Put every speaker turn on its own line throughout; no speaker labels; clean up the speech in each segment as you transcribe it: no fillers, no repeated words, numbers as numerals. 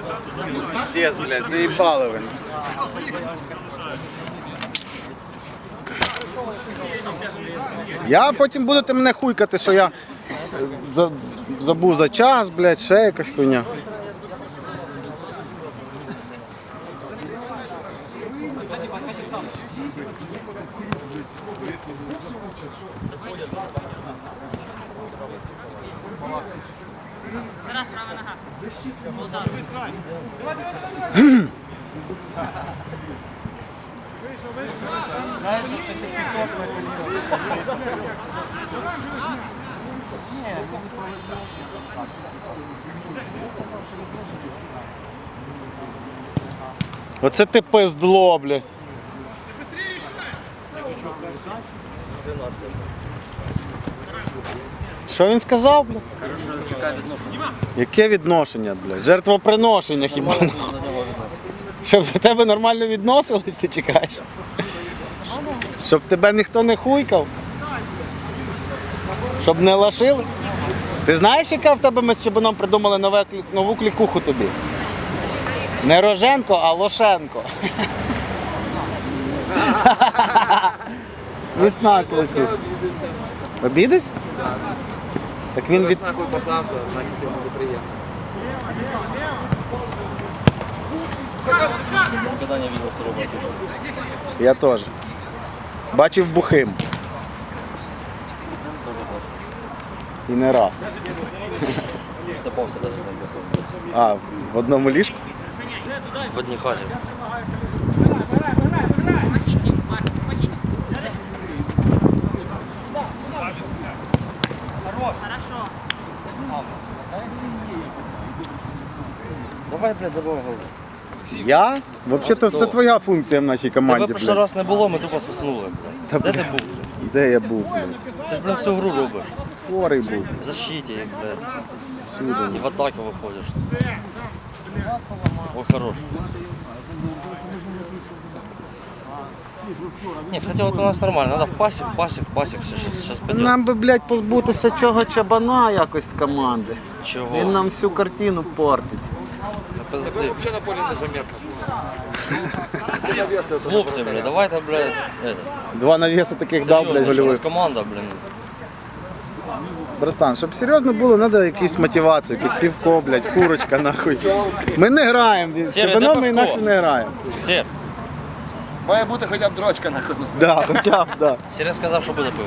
Пиздец, блядь, заїбали ви. Я потім будете мене хуйкати, що я забув за час, блядь, ще якась хуйня.
Раз, права нога.
Знаєш, що щось такі сотні
Оце ти пиздло, блядь. Що він сказав, блядь? Яке відношення, блядь? Жертвоприношення хіба? Щоб до тебе нормально відносились, ти чекаєш? Щоб тебе ніхто не хуйкав? Щоб не лашили? Ти знаєш, яка в тебе ми з Чебаном придумали нову клікуху тобі? Не Роженко, а Лошенко. Смішна класі. Обідись? Так він від...
Нахуй послав, то значить йому буде приємно.
Никогда не видел сырого батюшку.
Я теж. Бачив бухим. І не раз.
Всапався даже на бухом.
А, в одному ліжку?
В одній хаті.
Помогите, Марк, помогите. Хорошо.
Давай, блядь, забив голову.
Я? Взагалі-то це твоя функція в нашій команді,
Тебе перший
блядь.
раз не було, ми тупо соснули,
Та,
блядь. Де
блядь.
ти був, блядь?
Де я був, блядь?
Ти ж, блядь, всю гру робиш.
Хворий був.
В защиті, як, блядь.
Всюди.
І в атаку виходиш. Ой, хорош. Не, кстати, вот у нас нормально. Надо в пасик. Сейчас пойдем.
Нам би, блядь, позбутися чого Чабана якось з команди.
Чого?
Він нам всю картину портить.
Пизди.
Взагалі на полі незаметно.
Хлопці, блядь, давайте, блядь, этот.
Два навіси таких дав, блядь,
Серйозно, що у нас
гольових.
команда, блін.
Братан, щоб серйозно було, треба якісь мотивацію, якесь півко, блядь, курочка, нахуй. Ми не граємо, з
Сірий,
Чабаном
де
ми
пивко?
інакше не граємо.
Сер,
Має бути хоча б дрочка на кону.
Да, хоча б, да.
Сер сказав, що буде пиво.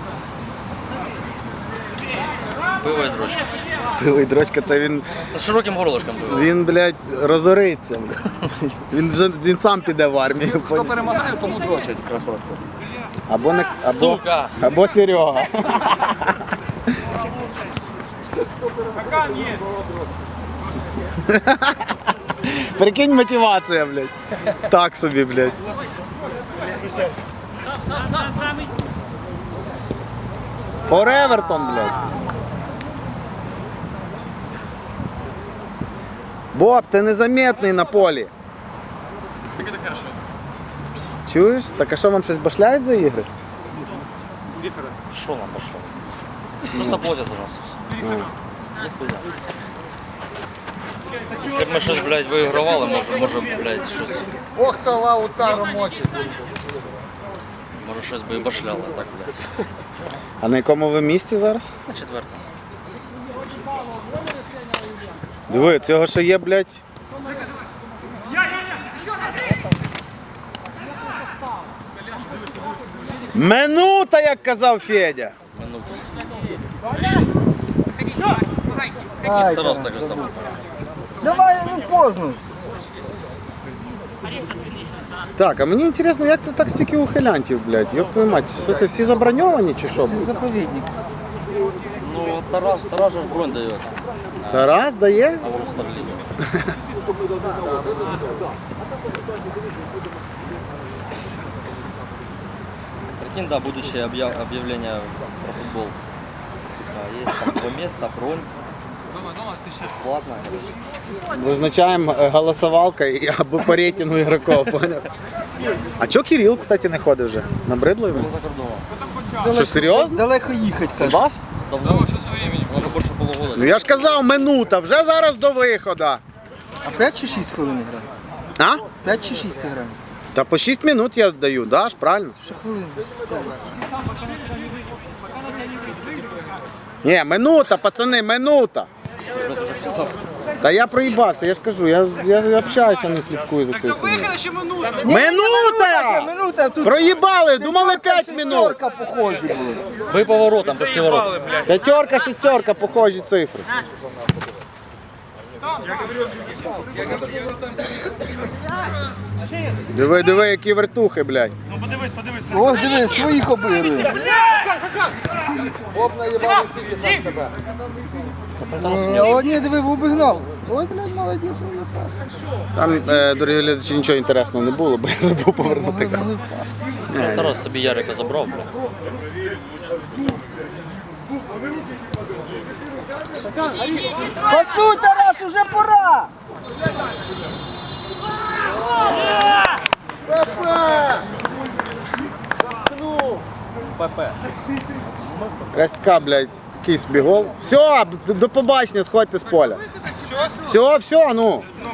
Пиво і дрочка.
Пилий дрочка, це він,
З широким горлышком пиво.
він, блядь, розориться. Блядь. Він сам піде в армію.
Хто перемагає, тому дрочать красотку.
Або, не,
Сука!
або Серега. Прикинь, мотивація, блядь. Так собі, блядь. For Everton, блядь. Боб, ти незаметний на полі.
Так это хорошо.
Чуєш? Так а що, вам щось башляють за ігри?
Що нам пошло? Просто платять за нас. Ніхуя. Якщо б ми щось, блядь, виігравали, може, блядь, щось,
Ох, та Лаутаро мочить.
може щось би і башляло, так, блядь.
А на якому ви місці зараз?
На четвертому.
Диви, цього ще є, блядь. Минута, як казав Федя.
Минуту.
Ай,
Тарас так же само.
давай, ну поздно. Так, а мені цікаво, як це так стільки ухилянтів, блядь? Йоп твою мать, що це всі заброньовані чи що? блядь?
Заповідник.
Ну, Тарас же ж бронь дає.
Тарас дає?
А вон Старлізм. Прикинь, да, будущее объявление про футбол. Есть там 2 места, бронь. Бесплатно.
Визначаємо голосовалка і або по рейтингу ігроків, поняв? А чого Кирил, кстати, не ходить вже? Набридло йому?
Ну, за кордоном.
Що, серйозно?
Далеко їхати.
Себас?
Давно. Уже больше полугода.
Ну я ж казав, минута, вже зараз до виходу.
А 5 чи 6 хвилин грає?
А?
5 чи 6 грає?
Та по 6 минут я даю, да, ж правильно?
Ще хвилин.
Ні, минута, пацани, минута. Та я проїбався, я ж кажу, я общаюся, не слідкую за цим. Минута!
Минута, тут
Проїбали, думали 5 минут.
шестерка похожі були.
Мы поворотом, почти ворот.
П'ятерка, шестерка, похожі цифри. Диви, диви, які вертухи, блядь.
Ось диви, своїх обігрує.
Боб наїбав усіх і сам себе.
О, ні, диви, обігнав. Ой, блядь, молодець, вони пас.
Там, дорогі глядачі, нічого інтересного не було, бо я забув повернути камеру.
Могли впасти.
Тарас собі Ярика забрав, бля.
Пасуй, Тарас, уже пора!
Якась така, блядь, такий собі гол. Все, до побачення, сходьте з поля. Все, ну.